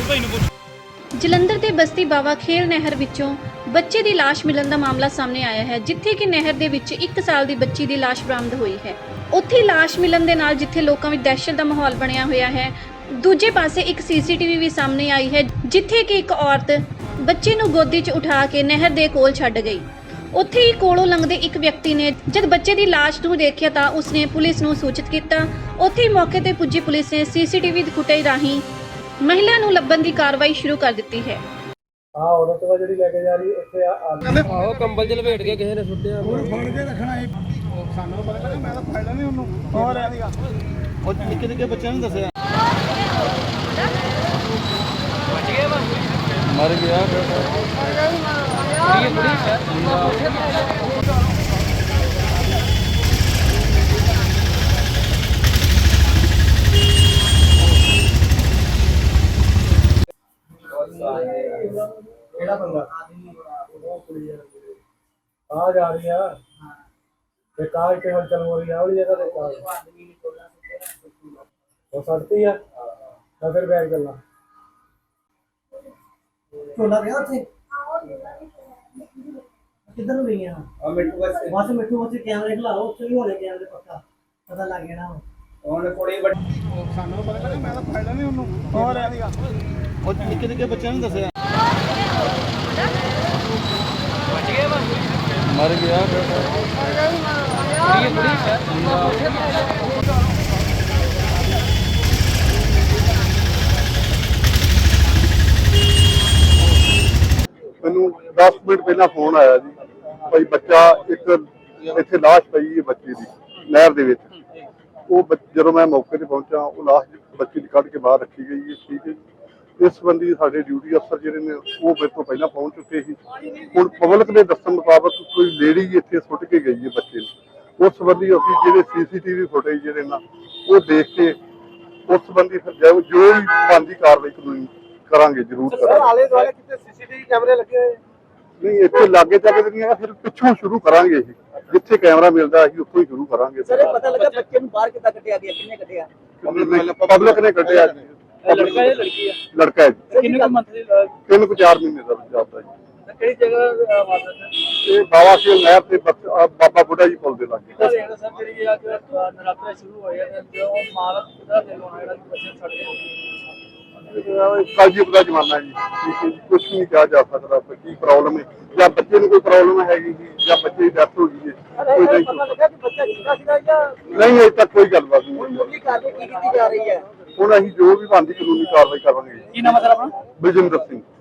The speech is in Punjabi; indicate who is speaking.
Speaker 1: ਭਾਈ ਨੂੰ ਪੁੱਛ।
Speaker 2: ਜਲੰਧਰ ਦੇ ਬਸਤੀ ਬਾਵਾ ਖੇਲ ਨਹਿਰ ਵਿੱਚੋਂ ਬੱਚੇ ਦੀ ਲਾਸ਼ ਮਿਲਣ ਦਾ ਮਾਮਲਾ ਸਾਹਮਣੇ ਆਇਆ ਹੈ, ਜਿੱਥੇ ਕਿ ਨਹਿਰ ਦੇ ਵਿੱਚ 1 ਸਾਲ ਦੀ ਬੱਚੀ ਦੀ ਲਾਸ਼ ਬਰਾਮਦ ਹੋਈ ਹੈ। ਉੱਥੇ ਲਾਸ਼ ਮਿਲਣ ਦੇ ਨਾਲ ਜਿੱਥੇ ਲੋਕਾਂ ਵਿੱਚ ਦਹਿਸ਼ਤ ਦਾ ਮਾਹੌਲ ਬਣਿਆ ਹੋਇਆ ਹੈ, ਦੂਜੇ ਪਾਸੇ ਇੱਕ ਸੀਸੀਟੀਵੀ ਵੀ ਸਾਹਮਣੇ ਆਈ ਹੈ, ਜਿੱਥੇ ਕਿ ਇੱਕ ਔਰਤ ਬੱਚੇ ਨੂੰ ਗੋਦੀ 'ਚ ਉਠਾ ਕੇ ਨਹਿਰ ਦੇ ਕੋਲ ਛੱਡ ਗਈ। ਉੱਥੇ ਹੀ ਕੋਲੋਂ ਲੰਘਦੇ ਇੱਕ ਵਿਅਕਤੀ ਨੇ ਜਦ ਬੱਚੇ ਦੀ ਲਾਸ਼ ਨੂੰ ਦੇਖਿਆ ਤਾਂ ਉਸਨੇ ਪੁਲਿਸ ਨੂੰ ਸੂਚਿਤ ਕੀਤਾ। ਉੱਥੇ ਹੀ ਮੌਕੇ ਤੇ ਪੁੱਜੀ ਪੁਲਿਸ ਨੇ ਸੀਸੀਟੀਵੀ ਦੀ ਫੁਟੇਜ ਰਾਹੀਂ ਮਹਿਲਾ ਨੂੰ ਲੱਭਣ ਦੀ ਕਾਰਵਾਈ ਸ਼ੁਰੂ ਕਰ ਦਿੱਤੀ ਹੈ।
Speaker 3: औरत वा जिहड़ी लेके जा रही इत्थे
Speaker 4: ਆਹੋ ਕੰਬਲ ਚ ਲਪੇਟ ਕੇ ਕਿਸੇ ਨੇ ਸੁੱਟਿਆ
Speaker 3: ਉਹਨੂੰ ਫੜ ਕੇ ਰੱਖਣਾ ਹੈ। ਸਾਨੂੰ ਪਤਾ ਲੱਗਾ, ਮੈਂ ਤਾਂ ਫੜਦਾ ਨਹੀਂ ਉਹਨੂੰ। ਹੋਰ ਇਹਦੀਗਾ ਉਹ ਨਿੱਕੇ ਨਿੱਕੇ ਬੱਚਿਆਂ ਨੂੰ ਦੱਸਿਆ
Speaker 4: ਮਰ ਗਿਆ
Speaker 3: ਕਿਹੜਾ ਬੰਦਾ ਆ ਜਾ ਰਹੀ ਆ ਤੇ ਕਾਰ ਕੇ ਹਲਚਲ ਹੋ ਰਹੀ ਆ ਵਾਲੀ ਜਗ੍ਹਾ ਤੇ ਕਾਰ ਹੋ ਸਕਦੀ ਆ ਤਾਂ ਫਿਰ ਬੈਗ ਚੱਲਣਾ
Speaker 5: ਝੋਲਾ ਪਿਆ ਉੱਥੇ ਕਿੱਧਰ ਨੂੰ ਗਈਆਂ
Speaker 3: ਆ ਮਿੰਟੂ
Speaker 5: ਬਸ ਮਿੱਠੂ ਉੱਥੇ ਕੈਮਰੇ ਖਲਾਓ, ਉੱਥੇ ਵੀ ਹੋਣੇ ਕੈਮਰੇ ਪੱਕਾ ਪਤਾ ਲੱਗ ਜਾਣਾ
Speaker 3: ਉਹਨੇ ਕੋੜੀ ਸਾਨੂੰ ਪਤਾ ਲੱਗਾ, ਮੈਂ ਤਾਂ ਫੜਦਾ ਨਹੀਂ ਉਹਨੂੰ। ਹੋਰ ਇਹਦੀਗਾ ਉਹ ਨਿੱਕੇ ਨਿੱਕੇ ਬੱਚਿਆਂ ਨੂੰ ਦੱਸਿਆ
Speaker 4: ਮਰ ਗਿਆ
Speaker 6: ਮੈਨੂੰ 10 ਮਿੰਟ ਪਹਿਲਾਂ ਫੋਨ ਆਇਆ ਜੀ, ਭਾਈ ਬੱਚਾ ਇੱਕ ਇੱਥੇ ਲਾਸ਼ ਪਈ ਹੈ ਬੱਚੇ ਦੀ ਨਹਿਰ ਦੇ ਵਿੱਚ। ਉਹ ਜਦੋਂ ਮੈਂ ਮੌਕੇ ਤੇ ਪਹੁੰਚਾ, ਉਹ ਲਾਸ਼ ਬੱਚੇ ਦੀ ਕੱਢ ਕੇ ਬਾਹਰ ਰੱਖੀ ਗਈ ਹੈ। ਠੀਕ ਹੈ ਜੀ। ਇਸ ਸੰਬੰਧੀ ਸਾਡੇ ਡਿਊਟੀ ਅਫਸਰ ਜਿਹੜੇ ਨੇ ਉਹ ਮੇਰੇ ਤੋਂ ਪਹਿਲਾਂ ਪਹੁੰਚ ਚੁੱਕੇ ਸੀ। ਹੁਣ ਪਬਲਿਕ ਦੇ ਦੱਸਣ ਮੁਤਾਬਕ ਕੋਈ ਲੇਡੀ ਇੱਥੇ ਸੁੱਟ ਕੇ ਗਈ ਹੈ ਬੱਚੇ ਨੂੰ। ਉਸ ਸੰਬੰਧੀ ਅਸੀਂ ਜਿਹੜੇ ਸੀਸੀਟੀਵੀ ਫੁਟੇਜ ਜਿਹੜੇ ਨਾ ਉਹ ਦੇਖ ਕੇ ਉਸ ਸੰਬੰਧੀ ਫਿਰ ਜੋ ਵੀ ਬਣਦੀ ਕਾਰਵਾਈ ਕਾਨੂੰਨੀ ਕਰਾਂਗੇ, ਜ਼ਰੂਰ ਕਰਾਂਗੇ।
Speaker 3: ਆਲੇ ਦੁਆਲੇ ਕਿਤੇ ਸੀਸੀਟੀਵੀ ਕੈਮਰੇ ਲੱਗੇ ਹੋਏ?
Speaker 6: ਨਹੀਂ, ਇੱਥੇ ਲਾਗੇ ਤੱਕ ਨਹੀਂ ਆ, ਫਿਰ ਪਿੱਛੋਂ ਸ਼ੁਰੂ ਕਰਾਂਗੇ। ਇਹ ਜਿੱਥੇ ਕੈਮਰਾ ਮਿਲਦਾ ਅਸੀਂ ਉੱਥੋਂ ਹੀ ਸ਼ੁਰੂ ਕਰਾਂਗੇ।
Speaker 5: ਸਰ ਇਹ ਪਤਾ ਲੱਗਾ ਬੱਚੇ ਨੂੰ ਬਾਹਰ ਕਿੱਦਾਂ ਕੱਢਿਆ ਗਿਆ, ਕਿੰਨੇ ਕੱਢਿਆ?
Speaker 6: ਪਬਲਿਕ ਨੇ ਕੱਢਿਆ ਜੀ।
Speaker 1: ਲੜਕਾ ਹੈ ਲੜਕੀ ਹੈ?
Speaker 6: ਲੜਕਾ ਹੈ ਜੀ।
Speaker 1: ਕਿੰਨੇ ਕੁ ਮੰਥ ਦੀ
Speaker 6: 3-4 ਮਹੀਨੇ ਦਾ ਜਾਂਦਾ ਜੀ।
Speaker 1: ਕਿਹੜੀ ਜਗ੍ਹਾ ਵਾਰਦਾਤ ਹੈ?
Speaker 6: ਇਹ ਬਾਵਾ ਖੇਲ ਨਹਿਰ ਤੇ ਬਾਬਾ ਬੁੱਢਾ ਜੀ ਪੁੱਲ ਦੇ ਲਾਗੇ।
Speaker 1: ਸਰ ਜਿਹੜੀ ਅੱਜ ਨਰਾਤੇ ਸ਼ੁਰੂ ਹੋਏ ਨੇ ਜੋ ਮਾਲਕ ਦਾ ਦਿਲ ਹੋਣਾ ਜਿਹੜਾ ਬੱਚੇ ਛੱਡ ਕੇ
Speaker 6: ਕਾਲਜੀਪ ਦਾ ਜ਼ਮਾਨਾ ਜੀ। ਠੀਕ ਹੈ ਜੀ, ਕੁਝ ਨਹੀਂ ਕਿਹਾ ਜਾ ਸਕਦਾ ਕੀ ਪ੍ਰੋਬਲਮ ਹੈ, ਜਾਂ ਬੱਚੇ ਨੂੰ ਕੋਈ ਪ੍ਰੋਬਲਮ ਹੈਗੀ ਜੀ, ਜਾਂ ਬੱਚੇ ਦੀ ਡੈਥ ਹੋ ਗਈ ਹੈ।
Speaker 5: ਪਤਾ ਲੱਗਾ ਕਿ ਬੱਚਾ ਜਿੰਦਾ ਸੀਗਾ ਜਾਂ
Speaker 6: ਨਹੀਂ, ਅਜੇ ਤੱਕ ਕੋਈ ਗੱਲਬਾਤ ਨਹੀਂ ਹੋਈ।
Speaker 5: ਮੁੱਢਲੀ ਕਾਰਵਾਈ ਕੀ ਕੀਤੀ ਜਾ ਰਹੀ ਹੈ?
Speaker 6: ਹੁਣ ਅਸੀਂ ਜੋ ਵੀ ਬਣਦੀ ਕਾਨੂੰਨੀ ਕਾਰਵਾਈ ਕਰਾਂਗੇ।
Speaker 1: ਕੀ ਨਾਮ ਹੈ ਸਰ ਆਪਣਾ?
Speaker 6: ਬਲਜਿੰਦਰ ਸਿੰਘ।